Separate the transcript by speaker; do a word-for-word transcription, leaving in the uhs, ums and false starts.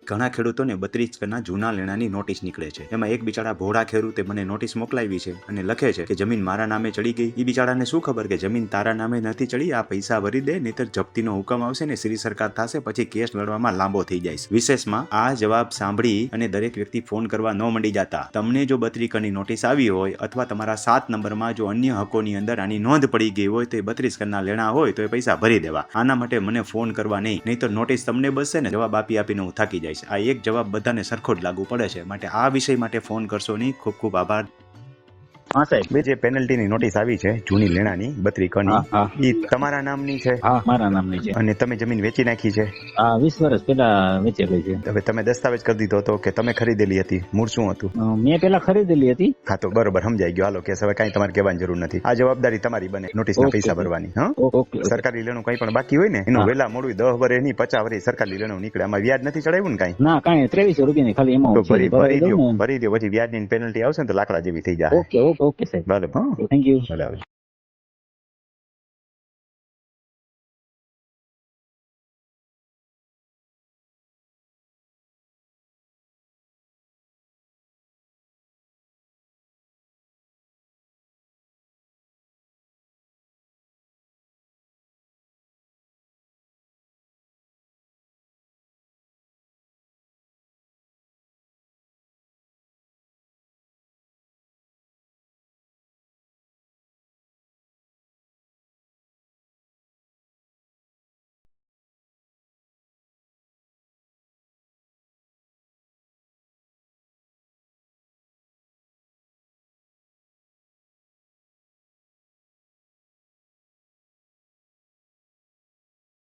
Speaker 1: ઘણા ખેડૂતોને બત્રીસ કરના જૂના લેણાની નોટિસ નીકળે છે. એમાં એક બિચારા ભોળા ખેડૂતે મને નોટિસ મોકલાવી છે અને લખે છે કે જમીન મારા નામે ચડી ગઈ. એ બિચારાને શું ખબર કે જમીન તારા નામે નથી ચડી, આ પૈસા ભરી દે નહીતર જપ્તીનો હુકમ આવશે ને શ્રી સરકાર થશે, પછી કેસ લડવામાં લાંબો થઈ જાય. વિશેષમાં આ જવાબ સાંભળી અને દરેક વ્યક્તિ ફોન કરવા ન મંડી જતા. તમને જો બત્રીસ કરની નોટિસ આવી હોય અથવા તમારા સાત નંબરમાં જો અન્ય હકોની અંદર આની નોંધ પડી ગઈ હોય તો એ બત્રીસ કરના લેણા હોય તો એ પૈસા ભરી દેવા. આના માટે મને ફોન કરવા નહીં, નહીતર નોટિસ તમને બસશે ને જવાબ આપી આપીને હું થાકી જઈશ. આ એક જવાબ બધાને સરખો જ લાગુ પડે છે, માટે આ વિષય માટે ફોન કરશો નહીં. ખૂબ ખૂબ આભાર.
Speaker 2: હા સાહેબ,
Speaker 1: બે જે પેનલ્ટીની નોટિસ આવી છે જૂની લેણાની બત્રીસ કરની,
Speaker 2: હા, હા.
Speaker 1: ઈ તમારા નામની છે
Speaker 2: હા મારા નામની છે.
Speaker 1: અને તમે જમીન વેચી નાખી છે.
Speaker 2: આ વીસ વર્ષ પહેલા વેચેલી છે.
Speaker 1: હવે તમે દસ્તાવેજ કરી દીધો હતો કે તમે ખરીદેલી હતી? મૂળ શું હતું?
Speaker 2: અ, મેં પેલા ખરીદેલી હતી.
Speaker 1: હા તો બરોબર સમજાઈ ગયો. હાલો કેસ હવે કઈ તમારે કહેવાની જરૂર નથી. આ જવાબદારી તમારી બને નોટિસના
Speaker 2: ઓકે.
Speaker 1: પૈસા ભરવાની. હા
Speaker 2: ઓકે, ઓકે.
Speaker 1: સરકારી લેણું કઈ પણ બાકી હોય ને એનું
Speaker 2: હા.
Speaker 1: વેલા મોડું દસ વર્ષ ની પચાસ વર્ષ સરકારી લેણું નીકળે. આમાં વ્યાજ નથી ચડાવ્યું ને કઈ?
Speaker 2: ના કાંઈ ત્રેવીસો રૂપિયાની ખાલી
Speaker 1: તો
Speaker 2: એમાઉન્ટ
Speaker 1: ભરી
Speaker 2: છે.
Speaker 1: ભરી
Speaker 2: ભરાઈ
Speaker 1: દો
Speaker 2: દઉં ને?
Speaker 1: ભરી દો પછી વ્યાજની પેનલ્ટી આવશે ને તો લાકડા જેવી થઈ જાય.
Speaker 2: ઓકે ઓકે ઓકે સાહેબ.
Speaker 1: ભલે હા
Speaker 2: થેન્ક યુ.
Speaker 1: ભલે આવે.